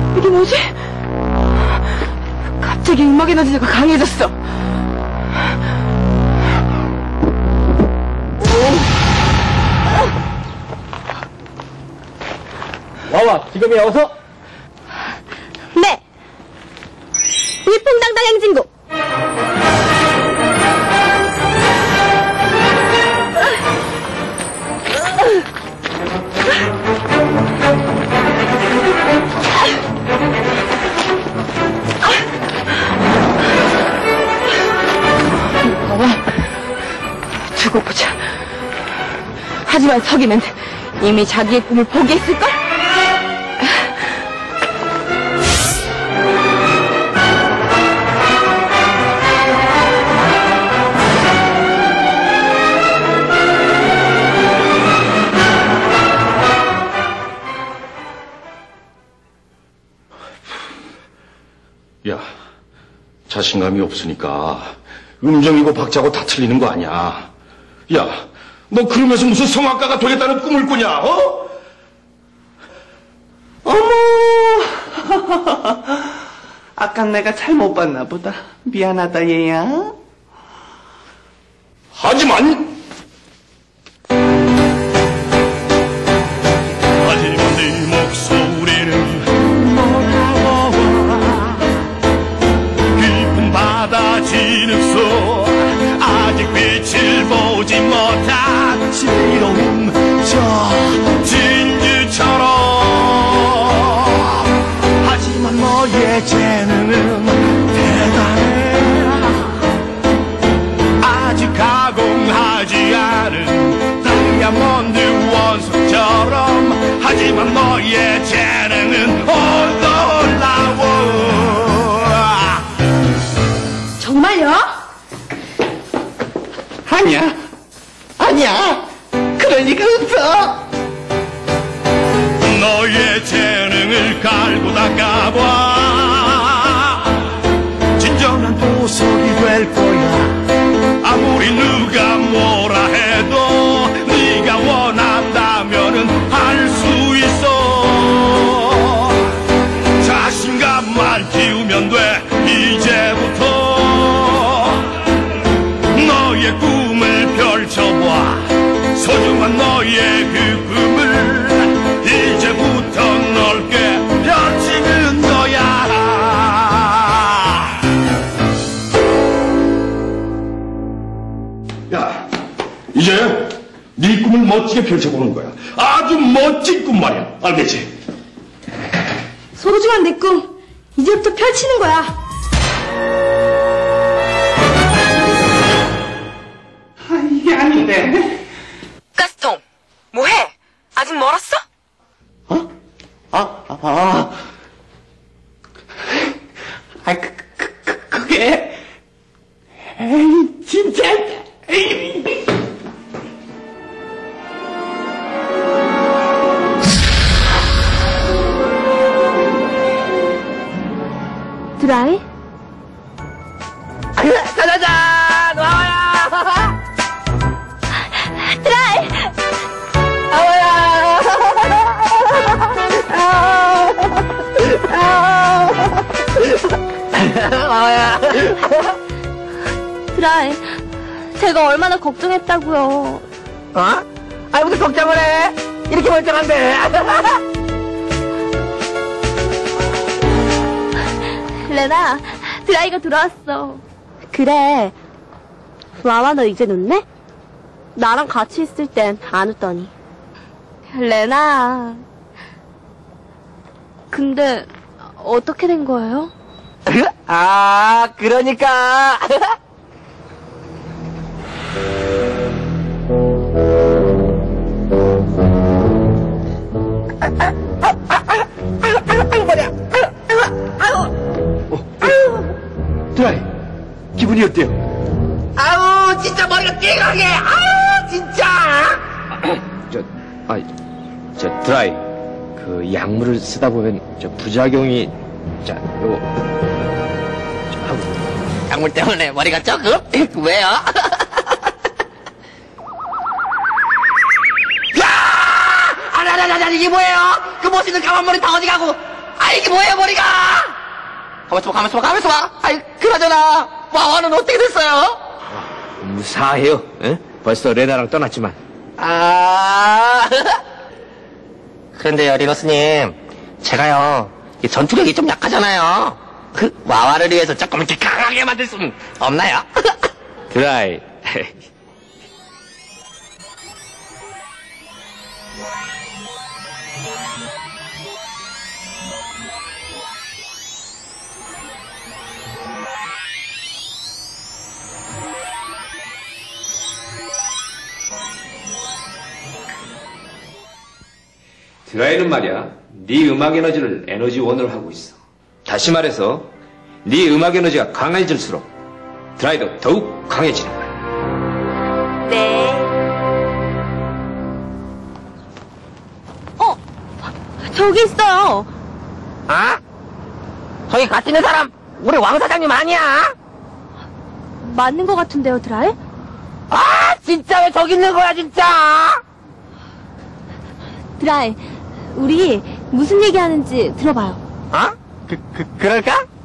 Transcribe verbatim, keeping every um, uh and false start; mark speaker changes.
Speaker 1: 이게 뭐지? 갑자기 음악 에너지가 강해졌어.
Speaker 2: 와와, 지금이야, 어서!
Speaker 1: 네! 위풍당당 행진곡! 봐봐, 두고 보자. 하지만 서기는 이미 자기의 꿈을 포기했을걸?
Speaker 3: 야, 자신감이 없으니까 음정이고 박자고 다 틀리는 거 아니야. 야, 너 그러면서 무슨 성악가가 되겠다는 꿈을 꾸냐, 어?
Speaker 4: 어머! 아까 내가 잘못 봤나 보다. 미안하다, 얘야.
Speaker 3: 하지만
Speaker 5: 하지만 네 목소리는 너와 깊은 바다 진흙속 아직 빛을 보지 못한 지로운 저 진주처럼. 하지만 너의 재능은 대단해. 아직 가공하지 않은 다이아몬드 원석처럼. 하지만 너의 재능은 올라워.
Speaker 1: 정말요?
Speaker 4: 아니야. 아니야. 그럴 리가 없어.
Speaker 5: 너의 재능을 갈고 닦아봐. 진정한 보석이 될 거야. 아무리 누가 뭐라 해도 네가 원한다면은 할 수 있어. 자신감만 키우면 돼. 이제부터 너의 꿈을 펼쳐봐. 소중한 너의 그 꿈을 이제부터 넓게 펼치는 거야.
Speaker 3: 야, 이제 네 꿈을 멋지게 펼쳐보는 거야. 아주 멋진 꿈 말이야. 알겠지?
Speaker 1: 소중한 내 꿈, 이제부터 펼치는 거야.
Speaker 4: 아, 이게 아닌데.
Speaker 1: 가스통, 뭐해? 아직 멀었어?
Speaker 4: 어? 아, 아, 아. 아, 그, 그, 그, 그게. 에이, 진짜. 에이.
Speaker 1: 드라이?
Speaker 2: 짜자잔! 와와야!
Speaker 1: 드라이!
Speaker 2: 아와야! 와와야!
Speaker 1: 드라이, 제가 얼마나 걱정했다고요.
Speaker 2: 어? 아이, 무슨 걱정을 해? 이렇게 멀쩡한데.
Speaker 1: 레나, 드라이가 들어왔어. 그래. 와와, 너 이제 웃네? 나랑 같이 있을 땐 안 웃더니. 레나. 근데 어떻게 된 거예요?
Speaker 2: 아, 그러니까. 아유, 머리야.
Speaker 3: 드라이, 기분이 어때요?
Speaker 2: 아우, 진짜 머리가 띵하게. 아우, 진짜.
Speaker 6: 저, 아, 저 드라이, 그 약물을 쓰다 보면 저 부작용이, 자, 요, 저 하고.
Speaker 2: 약물 때문에 머리가 조금? 왜요? 야! 아라라라라, 이게 뭐예요? 그 멋있는 까만 머리 다 어디 가고? 아, 아, 이게 뭐예요, 머리가! 가만있어 봐, 가만있어 봐, 가만있어 봐! 아이, 그나저나, 와와는 어떻게 됐어요?
Speaker 6: 무사해요. 에? 벌써 레나랑 떠났지만.
Speaker 2: 아, 그런데요, 리너스님. 제가요, 이 전투력이 좀 약하잖아요. 그, 와와를 위해서 조금 이렇게 강하게 만들 수는 없나요?
Speaker 6: 드라이. 드라이는 말이야, 네 음악 에너지를 에너지 원으로 하고 있어. 다시 말해서 네 음악 에너지가 강해질수록 드라이도 더욱 강해지는 거야.
Speaker 1: 네. 어? 저기 있어요.
Speaker 2: 아? 저기 같이 있는 사람, 우리 왕 사장님 아니야?
Speaker 1: 맞는 것 같은데요, 드라이?
Speaker 2: 아, 진짜 왜 저기 있는 거야, 진짜?
Speaker 1: 드라이, 우리 무슨 얘기하는지 들어봐요.
Speaker 2: 어? 그, 그, 그럴까?